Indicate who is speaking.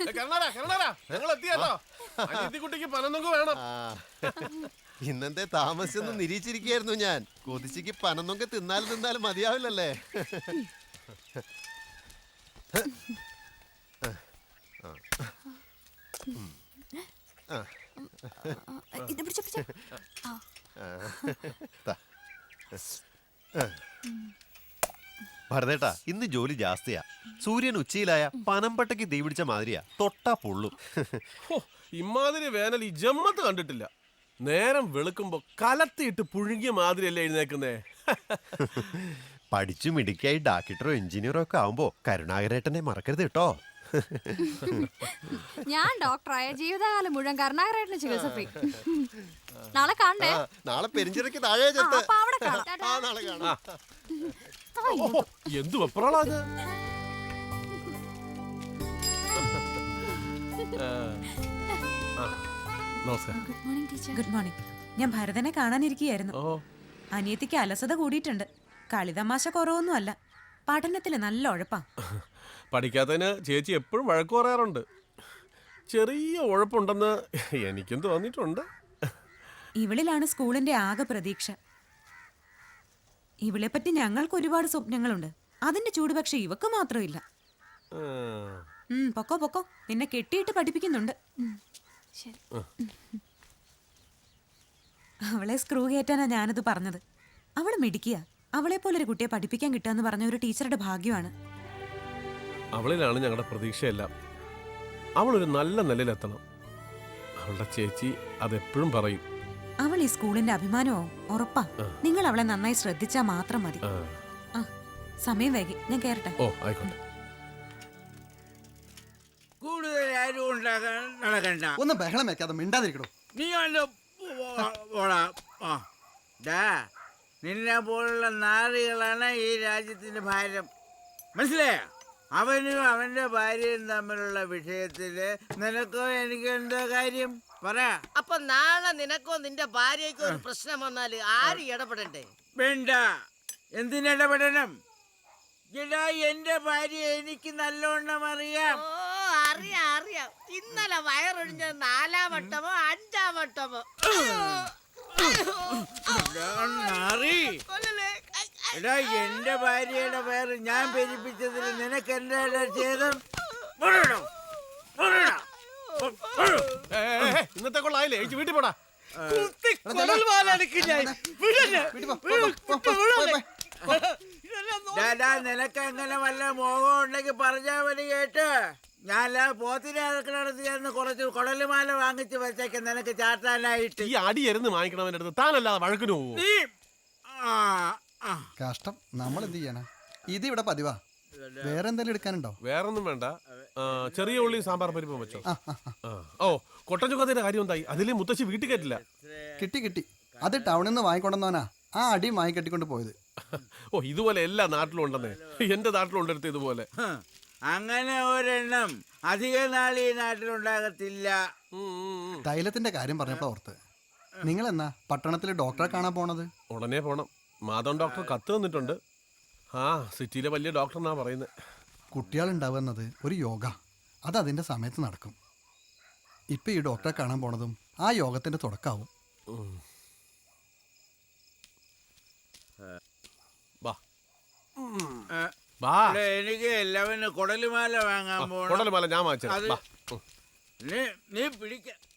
Speaker 1: കുട്ടിക്ക് പനന്നൊക്കെ വേണം.
Speaker 2: ഇന്നത്തെ താമസിച്ചൊന്നും നിരീക്ഷിച്ചിരിക്കുകയായിരുന്നു ഞാൻ. കൊതിച്ചിക്ക് പനന്നൊക്കെ തിന്നാലും മതിയാവില്ലല്ലേ. ഭരതേട്ടാ, ഇന്ന് ജോലി ജാസ്തിയാ. സൂര്യൻ ഉച്ചയിലായ പനമ്പട്ടയ്ക്ക് തീ പിടിച്ച മാതിരിയാ, തൊട്ടാ പൊള്ളും.
Speaker 1: ഇമാതിരി വേനൽ ഈ ജമ്മത്ത് കണ്ടിട്ടില്ല. നേരം വെളുക്കുമ്പോ കലത്തിയിട്ട് പുഴുങ്ങിയ മാതിരിയല്ലേ എഴുന്നേക്കുന്നേ.
Speaker 2: പഠിച്ചു മിടുക്കിയായി ഡാക്ടറോ എഞ്ചിനീയറോ ഒക്കെ ആവുമ്പോ കരുണാകരേട്ടനെ മറക്കരുത് കേട്ടോ.
Speaker 3: ഞാൻ ഡോക്ടറായ ജീവിതകാലം മുഴുവൻ കരുണാകരേട്ടന് ചികിത്സ ഫ്രീ. നാളെ കാണണ്ടേ?
Speaker 2: നാളെ പെരിഞ്ചിറക്ക് താഴെ ചെത്ത്. നാളെ കാണാം.
Speaker 1: എന്ത് വെപ്രാളാത്.
Speaker 4: Good morning. ഞാൻ ഭരതനെ കാണാനിരിക്കുകയായിരുന്നു. അനിയത്തിക്ക് അലസത കൂടിയിട്ടുണ്ട്. കളിതമാശ കുറവൊന്നും അല്ല, പഠനത്തില് നല്ല ഉഴപ്പാ.
Speaker 1: പഠിക്കാത്തതിന് ചേച്ചി എപ്പോഴും വഴക്ക് പറയാറുണ്ട്. ചെറിയ ഉഴപ്പുണ്ടെന്ന് എനിക്കും തോന്നിയിട്ടുണ്ട്.
Speaker 4: ഇവളിലാണ് സ്കൂളിന്റെ ആകെ പ്രതീക്ഷ. ഇവളെ പറ്റി ഞങ്ങൾക്ക് ഒരുപാട് സ്വപ്നങ്ങളുണ്ട്. അതിന്റെ ചൂട് പക്ഷെ ഇവക്ക് മാത്രമില്ല. പൊക്കോ പൊക്കോ, നിന്നെ കെട്ടിയിട്ട് പഠിപ്പിക്കുന്നുണ്ട്. അവളെ സ്ക്രൂ കയറ്റാനാ ഞാനത് പറഞ്ഞത്. അവള് മിടിക്കുക. അവളെ പോലൊരു കുട്ടിയെ പഠിപ്പിക്കാൻ കിട്ടുക പറഞ്ഞ ഒരു ടീച്ചറുടെ ഭാഗ്യമാണ്.
Speaker 1: അവളിലാണ് ഞങ്ങളുടെ പ്രതീക്ഷയെല്ലാം. അവളൊരു നല്ല നിലയിലെത്തണം. അവളുടെ ചേച്ചി അതെപ്പോഴും പറയും.
Speaker 4: അവൾ ഈ സ്കൂളിന്റെ അഭിമാനവും ഉറപ്പാ. നിങ്ങൾ അവളെ നന്നായി ശ്രദ്ധിച്ചാ മാത്രം മതി. സമയം വൈകി, ഞാൻ കേറട്ടെ.
Speaker 1: ഓ ആയിക്കോട്ടെ.
Speaker 5: കൂടുതൽ ആരും ഉണ്ടാക്കാൻ നടക്കണ്ട.
Speaker 6: ഒന്ന് ബഹളം വെക്കാതെ മിണ്ടാതിരിക്കണോ.
Speaker 5: നീ നിന്നെ പോലുള്ള നാറികളാണ് ഈ രാജ്യത്തിന്റെ ഭാരം. മനസ്സിലായ? അവനും അവന്റെ ഭാര്യയും തമ്മിലുള്ള വിഷയത്തില് നിനക്കോ എനിക്ക് എന്താ കാര്യം പറ.
Speaker 7: അപ്പൊ നാളെ നിനക്കോ നിന്റെ ഭാര്യക്കോ ഒരു പ്രശ്നം വന്നാല് ആര് ഇടപെടണ്ടേ?
Speaker 5: വേണ്ട. എന്തിനിടപെടണം? എന്റെ ഭാര്യ എനിക്ക് നല്ലോണം അറിയാം.
Speaker 7: അറിയാം അറിയാം. ഇന്നലെ വയറൊഴിഞ്ഞത് 4-ാം വട്ടമോ 5-ാം വട്ടമോ.
Speaker 5: എടാ, എന്റെ ഭാര്യയുടെ പേര് ഞാൻ പെരിപ്പിച്ചതിൽ നിനക്ക് എന്താ ചെയ്തം?
Speaker 1: ഇന്നത്തെ കൊള്ളായില്ലേ, വീട്ടിൽ പോടാ.
Speaker 5: നിനക്ക് എങ്ങനെ വല്ല മോഹം ഉണ്ടെങ്കിൽ പറഞ്ഞാ മതി കേട്ട്. ഞാൻ പോത്തിനെ അടക്കിടത്ത് ചേർന്ന് കുറച്ച് കുടലുമാല വാങ്ങിച്ച് വെച്ചേക്ക് നിനക്ക് ചാട്ടാനായിട്ട്.
Speaker 1: ഈ അടിയരുന്ന് വാങ്ങിക്കണവന്റെ അടുത്ത് താനല്ലാതെ വഴക്കിന് പോകും.
Speaker 6: കഷ്ടം. നമ്മൾ എന്ത് ചെയ്യണ? ഇത് ഇവിടെ പതിവാ. വേറെ എന്തെങ്കിലും എടുക്കാനുണ്ടോ?
Speaker 1: വേറൊന്നും വേണ്ട. ചെറിയ ഉള്ളി സാമ്പാർ പരിപ്പം വെച്ചോ. ഓ, കൊട്ടൻ ചുക്കത്തിന്റെ കാര്യം എന്തായി? അതിലെ മുത്തശ്ശി വീട്ടിൽ കയറ്റില്ല.
Speaker 6: കിട്ടി. അത് ടൗണിൽ നിന്ന് വാങ്ങിക്കൊണ്ടെന്നവനാ ആ അടി വാങ്ങിക്കെട്ടിക്കൊണ്ട് പോയത്.
Speaker 1: ഓ, ഇതുപോലെ എല്ലാ നാട്ടിലും ഉണ്ടെന്നേ. എന്റെ നാട്ടിലും ഉണ്ടെടുത്ത് ഇതുപോലെ.
Speaker 5: അങ്ങനെ ഒരെണ്ണം അധിക നാൾ ഈ നാട്ടിലുണ്ടാകത്തില്ല.
Speaker 6: തൈലത്തിന്റെ കാര്യം പറഞ്ഞപ്പോ ഓർത്ത്, നിങ്ങൾ എന്നാ പട്ടണത്തിൽ ഡോക്ടറെ കാണാൻ പോണത്?
Speaker 1: ഉടനെ പോണം. മാധവൻ ഡോക്ടർ കത്ത് തന്നിട്ടുണ്ട്. സിറ്റിയിലെ വലിയ ഡോക്ടർ എന്നാ പറയുന്നത്.
Speaker 6: കുട്ടികളുണ്ടാവുന്നത് ഒരു യോഗ, അത് അതിന്റെ സമയത്ത് നടക്കും. ഇപ്പൊ ഈ ഡോക്ടറെ കാണാൻ പോണതും ആ യോഗത്തിന്റെ തുടക്കാവും.
Speaker 5: എനിക്ക് എല്ലാവരും കുടലുമാല വാങ്ങാൻ പോകണം.
Speaker 1: കുടലുമാല ഞാൻ വാങ്ങിച്ചു.
Speaker 5: നീ പിടിക്ക.